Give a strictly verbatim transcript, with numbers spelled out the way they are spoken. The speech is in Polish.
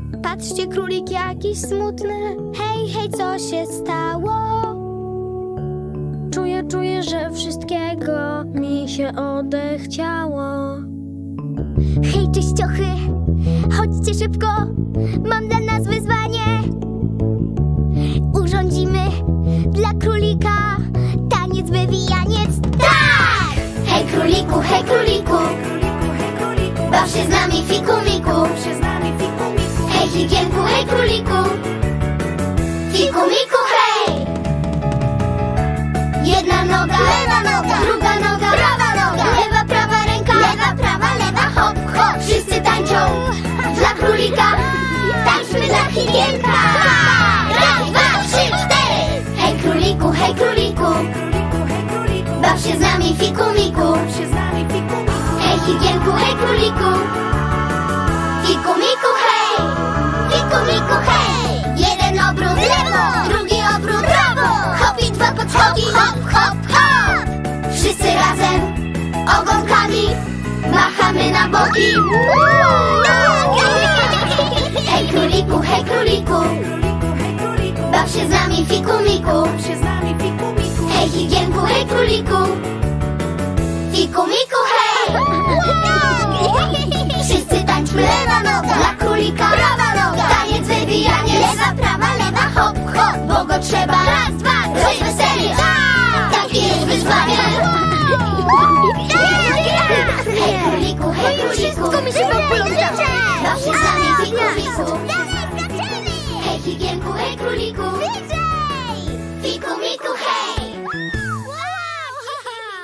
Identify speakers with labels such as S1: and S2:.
S1: Patrzcie, królik jakiś smutny. Hej, hej, co się stało? Czuję, czuję, że wszystkiego mi się odechciało. Hej, czyściochy, chodźcie szybko, mam dla nas wyzwanie. Urządzimy dla królika taniec, wywijaniec. Tak! Hej, króliku, hej, króliku, baw się z nami, fiku, miku. Hej, higienku, hej, króliku, fiku, miku, hej! Jedna noga, lewa noga, druga noga, prawa noga, lewa, prawa ręka, lewa, prawa, lewa, hop, hop. Wszyscy tańczą dla królika, tańczmy dla higienka. Raz, dwa, trzy, cztery. Hej, króliku, hej, króliku, baw się z nami, fiku, miku. Hej, higienku, hej, króliku, fiku, miku, hej! Fiku, miku, hej! Jeden obrót w lewo, drugi obrót w prawo. Hop i dwa podskoki, hop, hop, hop. Wszyscy razem ogonkami machamy na boki. Hej, króliku, hej, króliku, baw się z nami, fiku, miku. Hej, higienku, hej, króliku, fiku, miku, hej! Wszyscy tańczmy, lewa noga, dla królika, prawa noga, taniec, wywijanie, lewa, prawa, lewa, hop, hop, bo go trzeba raz, dwa, rozweselić. Takie jest wyzwanie. Hej, króliku, hej, króliku, baw się z nami, fiku, miku. Hej, higienku, hej, króliku,